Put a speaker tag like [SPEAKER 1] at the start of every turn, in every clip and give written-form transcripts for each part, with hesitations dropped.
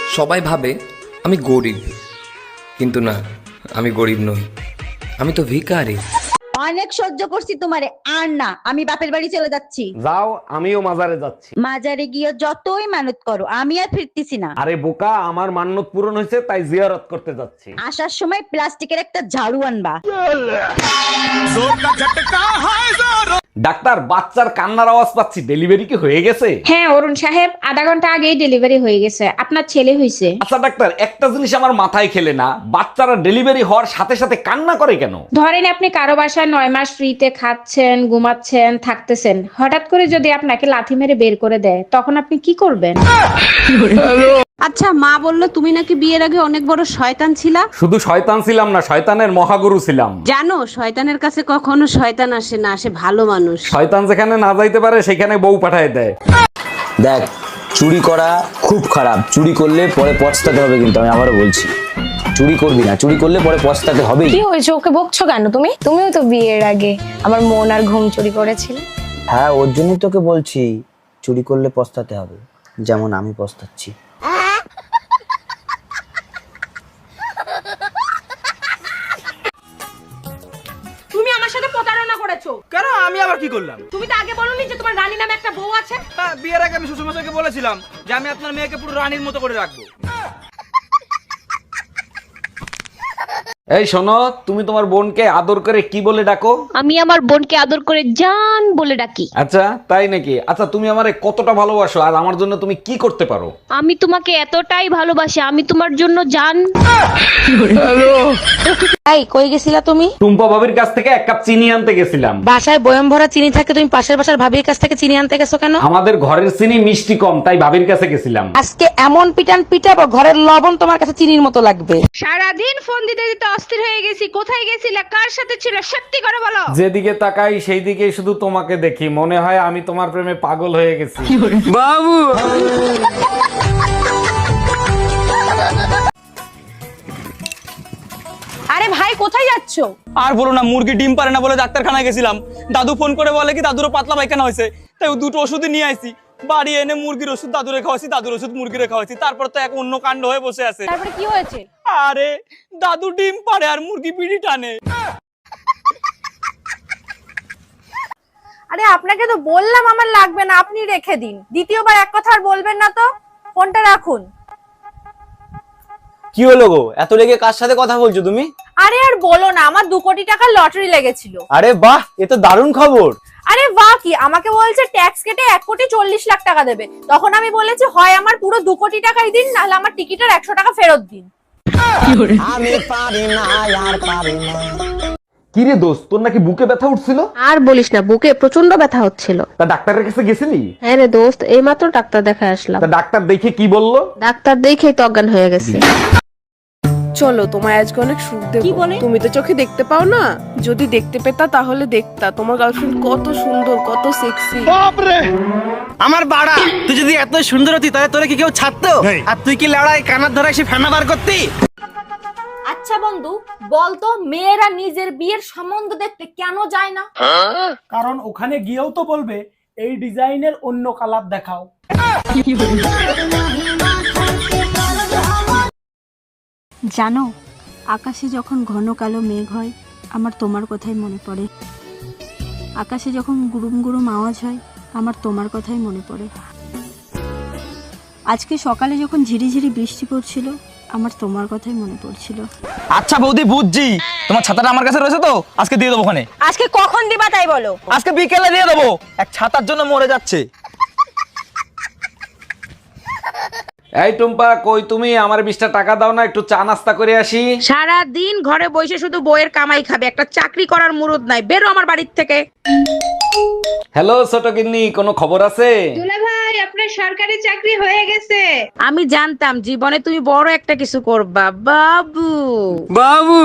[SPEAKER 1] সবাই ভাবে আমি গরিব, কিন্তু না, আমি গরিব নই, আমি তো ভিখারি।
[SPEAKER 2] অনেক সহ্য করছি তোমারে, আর না, আমি বাপের বাড়ি চলে যাচ্ছি।
[SPEAKER 3] যাও, আমিও মাজারে যাচ্ছি।
[SPEAKER 2] মাজারে গিয়ে যতই মানত করো, আমি আর ফিরতেছি না।
[SPEAKER 3] আরে বোকা, আমার মান্যত পূরণ হয়েছে, তাই জিয়ারত করতে যাচ্ছি।
[SPEAKER 2] আসার সময় প্লাস্টিকের একটা ঝাড়ু আনবা।
[SPEAKER 3] ডাক্তার, বাচ্চার কান্নার আওয়াজ পাচ্ছি, ডেলিভারি কি হয়ে গেছে?
[SPEAKER 4] হ্যাঁ অরুণ সাহেব, আধা ঘন্টা আগেই ডেলিভারি হয়ে গেছে, আপনার ছেলে হয়েছে।
[SPEAKER 3] আচ্ছা ডাক্তার, একটা জিনিস আমার মাথায় খেলে না, বাচ্চারা ডেলিভারি হওয়ার সাথে সাথে কান্না করে কেন?
[SPEAKER 4] ধরেন আপনি কারো বাসায় 9 মাস ফ্রিতে খাচ্ছেন, ঘুমাচ্ছেন, থাকতেছেন, হঠাৎ করে যদি আপনাকে লাথি মেরে বের করে দেয়, তখন আপনি কি করবেন?
[SPEAKER 5] আচ্ছা, মা বললো তুমি নাকি বিয়ের আগে অনেক বড় শয়তান ছিলা।
[SPEAKER 3] শুধু শয়তান ছিলাম না, শয়তানের মহাগুরু ছিলাম।
[SPEAKER 5] জানো, শয়তানের কাছে কখনো শয়তান আসে না, আসে ভালো মানুষ।
[SPEAKER 3] শয়তান যেখানে না যাইতে পারে সেখানে বউ পাঠায় দেয়।
[SPEAKER 6] দেখ, চুরি করা খুব খারাপ, চুরি করলে পরে পস্তাতে হবে, কিন্তু আমি আবারও বলছি চুরি করবি না, চুরি করলে পরে পস্তাতে হবেই।
[SPEAKER 7] কি হয়েছে, ওকে বকছো কেন তুমি? তুমিও তো বিয়ের আগে আমার মন আর ঘুম চুরি করেছিলে।
[SPEAKER 6] হ্যাঁ, ওর জন্যই তোকে বলছি চুরি করলে পস্তাতে হবে, যেমন আমি পস্তাচ্ছি।
[SPEAKER 8] তুমি আমার সাথে প্রতারণা করেছো।
[SPEAKER 9] কেন? আমি আবার কি করলাম?
[SPEAKER 8] তুমি তো আগে বলোনি যে তোমার রানী নামে একটা বউ আছে?
[SPEAKER 9] হ্যাঁ, বিয়ের আগে আমি শ্বশুরমশাইকে বলেছিলাম যে আমি আপনার মেয়েকে পুরো রানীর মতো করে রাখবো।
[SPEAKER 3] এই শোনো, তুমি তোমার বোনকে আদর করে কি বলে ডাকো?
[SPEAKER 10] আমি আমার বোনকে আদর করে জান বলে ডাকি।
[SPEAKER 3] আচ্ছা, তাই নাকি? আচ্ছা, তুমি আমারে কতটা ভালোবাসো আর আমার জন্য তুমি কি করতে পারো?
[SPEAKER 10] আমি তোমাকে এতটাই ভালোবাসি, আমি তোমার জন্য জান।
[SPEAKER 5] এই, কই গেছিলা তুমি?
[SPEAKER 3] টুম্পা ভাবির কাছ থেকে 1 কাপ চিনি আনতে গেছিলাম।
[SPEAKER 5] বাসায় বয়ম ভরা চিনি থাকে, তুমি পাশের বাসার ভাবির কাছ থেকে চিনি আনতে গেছো কেন?
[SPEAKER 3] আমাদের ঘরের চিনি মিষ্টি কম, তাই ভাবির কাছে গেছিলাম।
[SPEAKER 5] আজকে এমন পিটান পিটাবো, ঘরের লবণ তোমার কাছে চিনির মতো লাগবে।
[SPEAKER 8] সারাদিন ফোন দিতে দিতে অস্থির হয়ে গেছি। কোথায় গেছিলে, কার সাথে ছিল, সত্যি করে বলো।
[SPEAKER 3] যেদিকে তাকাই সেই দিকেই শুধু তোমাকে দেখি, মনে হয় আমি তোমার প্রেমে পাগল হয়ে গেছি।
[SPEAKER 9] বাবু,
[SPEAKER 8] আরে ভাই, কোথায় যাচ্ছো?
[SPEAKER 9] আর বলো না, মুরগি ডিম পারে না বলে ডাক্তারখানায় গেছিলাম। দাদু ফোন করে বলে কি দাদুরও পাতলা পায়খানা হয়েছে, তাই দুটো ওষুধই নিয়ে আইছি। বাড়ি এনে মুরগির ওষুধ দাদুরে খাওয়াইছি, দাদুর ওষুধ মুরগিরে খাওয়াইছি। তারপর তো এক অন্য কাণ্ড হয়ে বসে আছে।
[SPEAKER 8] তারপরে কি হয়েছে?
[SPEAKER 9] আরে, দাদু ডিম পারে আর মুরগি পিড়ি টানে।
[SPEAKER 8] আরে আপনাকে তো বললাম আমার লাগবে না, আপনি রেখে দিন। দ্বিতীয়বার এক কথা আর বলবেন না তো, ফোনটা রাখুন।
[SPEAKER 6] কি হলো গো, এত রেগে কার সাথে কথা বলছো তুমি?
[SPEAKER 8] আরে আর বলো না, আমার 2 কোটি টাকার লটারি লেগেছিল।
[SPEAKER 6] আরে বাহ, এ তো দারুণ খবর।
[SPEAKER 8] আরে বাহ কি, আমাকে বলছে ট্যাক্স কেটে 1,40,00,000 টাকা দেবে। তখন আমি বলেছি হয় আমার পুরো 2 কোটি টাকাই দিন, নাহলে আমার টিকিটের 100 টাকা ফেরত দিন।
[SPEAKER 6] আমি পারি না, আর পারি না।
[SPEAKER 3] কি রে দোস্ত, তোর নাকি বুকে ব্যথা উঠছিল?
[SPEAKER 5] আর বলিস না, বুকে প্রচন্ড ব্যথা হচ্ছিল।
[SPEAKER 3] তা ডাক্তারের কাছে গেছিলি?
[SPEAKER 5] হ্যাঁ রে দোস্ত, এইমাত্র ডাক্তার দেখায় আসলাম।
[SPEAKER 3] তা ডাক্তার দেখে কি বললো?
[SPEAKER 5] ডাক্তার দেখেই তো অজ্ঞান হয়ে গেছে।
[SPEAKER 11] চলো, তোমায় আজকে অনেক সুখ দেব। তুমি তো চোখে দেখতে পাও না, যদি দেখতে পেতা তাহলে দেখতা তোমার গার্লফ্রেন্ড কত সুন্দর, কত সেক্সি।
[SPEAKER 9] আমার বাড়া, তুই যদি এত সুন্দর হতি তাহলে তোরে কি কেউ ছাড়তো? আর তুই কি লড়াই কানার ধরে এসে ফেনা বার করতি?
[SPEAKER 8] আচ্ছা বন্ধু, বলতো মেয়েরা নিজের বিয়ের সম্বন্ধ দেখতে কেন যায় না?
[SPEAKER 12] কারণ ওখানে গিয়েও তো বলবে এই ডিজাইনের অন্য কালার দেখাও।
[SPEAKER 5] জানো, আকাশে যখন ঘন কালো মেঘ হয়, আমার তোমার কথাই মনে পড়ে। আকাশে যখন গুরুম গুরুম আওয়াজ হয়, আমার তোমার কথাই মনে পড়ে। আজকে সকালে যখন ঝিরিঝিরি বৃষ্টি পড়ছিল, আমার তোমার কথাই মনে পড়ছিল।
[SPEAKER 9] আচ্ছা বৌদি, বুঝছি তোমার ছাতাটা আমার কাছে রয়েছে, তো আজকে দিয়ে দেবো। ওখানে
[SPEAKER 8] আজকে কখন দিবা তাই বলো।
[SPEAKER 9] আজকে বিকেলে দিয়ে দেবো, এক ছাতার জন্য মরে যাচ্ছে।
[SPEAKER 3] এই টুম্পা, কই তুমি? আমার 20টা টাকা দাও না, একটু চা নাস্তা করে আসি।
[SPEAKER 2] সারা দিন ঘরে বসে শুধু বইয়ের কামাই খাবে, একটা চাকরি করার মুরুদ নাই। বেরো আমার বাড়ির থেকে।
[SPEAKER 3] হ্যালো ছোট গিন্নি, কোনো খবর আছে?
[SPEAKER 4] ভাই, আপনার সরকারি চাকরি হয়ে গেছে।
[SPEAKER 2] আমি জানতাম জীবনে তুমি বড় একটা কিছু করবা বাবু।
[SPEAKER 9] বাবু,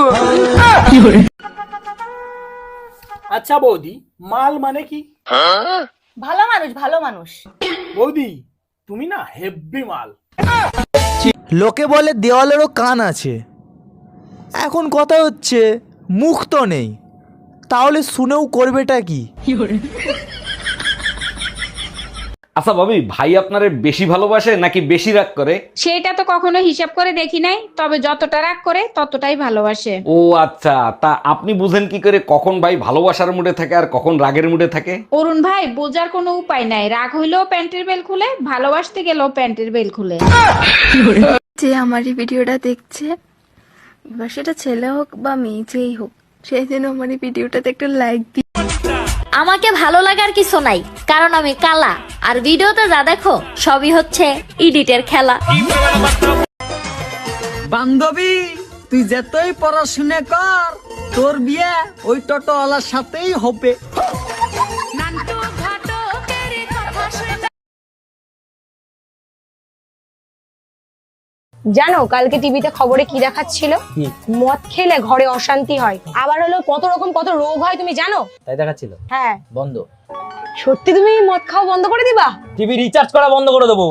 [SPEAKER 12] আচ্ছা বৌদি, মাল মানে কি?
[SPEAKER 8] ভালো মানুষ, ভালো মানুষ।
[SPEAKER 12] বৌদি, তুমি না হেব্বি মাল।
[SPEAKER 9] লোকে বলে দেওয়ালেরও কান আছে। এখন কথা হচ্ছে মুখ তো নেই, তাহলে শুনেও করবেটা কি?
[SPEAKER 3] আচ্ছা ভাবি, ভাই আপনারে বেশি ভালোবাসে নাকি বেশি রাগ করে?
[SPEAKER 4] সেটা তো কখনো হিসাব করে দেখি নাই, তবে যতটা রাগ করে ততটাই ভালোবাসে।
[SPEAKER 3] ও আচ্ছা, তা আপনি বুঝেন কি করে কখন ভাই ভালোবাসার মুডে থাকে আর কখন রাগের মুডে থাকে?
[SPEAKER 4] অরুণ ভাই, বোঝার কোনো উপায় নাই, রাগ হইলেও প্যান্টের বেল খুলে, ভালোবাসতে গেলেও প্যান্টের বেল খুলে।
[SPEAKER 5] যে আমার এই ভিডিওটা দেখছে, এবার সেটা ছেলে হোক বা মেয়ে যেই হোক, সেই জন্য আমার এই ভিডিওটাতে একটা লাইক দিই।
[SPEAKER 10] আমাকে ভালো লাগার কিছু নাই, কারণ আমি কালা, আর ভিডিওতে যা দেখো সবই হচ্ছে এডিটের খেলা।
[SPEAKER 9] বান্ধবী, তুই যতই পড়াশোনা কর, তোর বিয়ে ওই টোটোওয়ালার সাথেই হবে।
[SPEAKER 7] জানো কালকে টিভিতে খবরে কি দেখাচ্ছিল? মদ খেলে ঘরে অশান্তি হয়, আবার হলো কত রোগ হয় তুমি জানো?
[SPEAKER 6] তাই দেখাচ্ছিল?
[SPEAKER 7] হ্যাঁ।
[SPEAKER 6] বন্ধ?
[SPEAKER 7] সত্যি তুমি মদ খাওয়া বন্ধ করে দিবা?
[SPEAKER 6] টিভি রিচার্জ করা বন্ধ করে দেবো।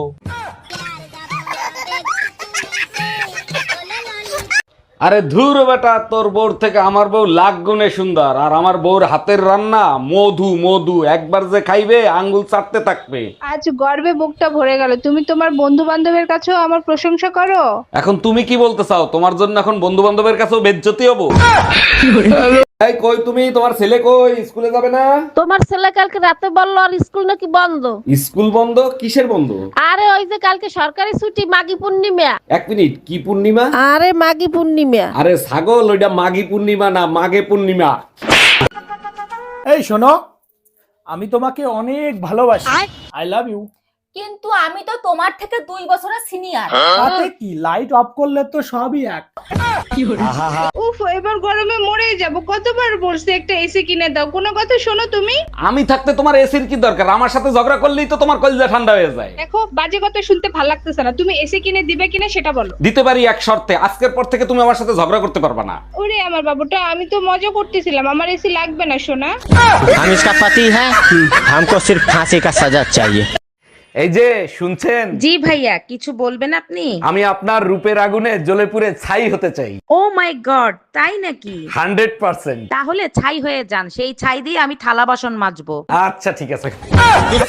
[SPEAKER 3] আরে ধুর বেটা, তোর বউর থেকে আমার বউ লাখ গুণে সুন্দর, আর আমার বউর হাতের রান্না মধু মধু, একবার যে খাইবে আঙ্গুল চাটতে থাকবে।
[SPEAKER 4] আজ গর্বে বুকটা ভরে গেল, তুমি তোমার বন্ধু বান্ধবের কাছেও আমার প্রশংসা করো।
[SPEAKER 3] এখন তুমি কি বলতে চাও? তোমার জন্য এখন বন্ধু বান্ধবের কাছেও বেজ্জতি হবো? এই কই তুমি, তোমার ছেলে কই? স্কুলে যাবে না?
[SPEAKER 10] তোমার ছেলে কালকে রাতে বললো আর স্কুল নাকি বন্ধ।
[SPEAKER 3] স্কুল বন্ধ? কিসের বন্ধ?
[SPEAKER 10] আরে ওই যে কালকে সরকারি ছুটি, মাঘী পূর্ণিমা।
[SPEAKER 3] এক মিনিট, কি পূর্ণিমা?
[SPEAKER 10] আরে মাঘী পূর্ণিমা।
[SPEAKER 3] আরে ছাগল, ওইটা মাঘী পূর্ণিমা না, মাঘে পূর্ণিমা।
[SPEAKER 12] এই শোনো, আমি তোমাকে অনেক ভালোবাসি, আই লাভ ইউ।
[SPEAKER 8] কিন্তু আমি তো তোমার থেকে 2 বছরের সিনিয়র।
[SPEAKER 12] তাতে কি, লাইট অফ করলে তো সবই এক।
[SPEAKER 2] উফ, এবার গরমে মরে যাব, কতবার বলছি একটা এসি কিনে দাও, কোনো কথা শোনো তুমি?
[SPEAKER 3] আমি থাকতে তোমার এসির কি দরকার? আমার সাথে ঝগড়া করলেই তো তোমার কলিজা ঠান্ডা হয়ে যায়।
[SPEAKER 2] দেখো, বাজে কথা শুনতে ভালো লাগতেছে না, তুমি এসি কিনে দিবে কিনা সেটা বলো।
[SPEAKER 3] দিতে পারি এক শর্তে, আজকের পর থেকে তুমি আমার সাথে ঝগড়া করতে পারবা না।
[SPEAKER 2] ওরে আমার বাবুটা, আমি তো মজা করতেছিলাম, আমার এসি লাগবে না সোনা।
[SPEAKER 6] हम इसका पति है, हमको सिर्फ फांसी का सजा चाहिए।
[SPEAKER 3] এই যে শুনছেন?
[SPEAKER 2] জি ভাইয়া, কিছু বলবেন আপনি?
[SPEAKER 3] আমি আপনার রূপের আগুনে জ্বলে পুড়ে ছাই হতে চাই।
[SPEAKER 2] ও মাই গড, তাই নাকি?
[SPEAKER 3] 100%।
[SPEAKER 2] তাহলে ছাই হয়ে যান, সেই ছাই দিয়ে আমি থালা বাসন মাজবো।
[SPEAKER 3] আচ্ছা ঠিক আছে।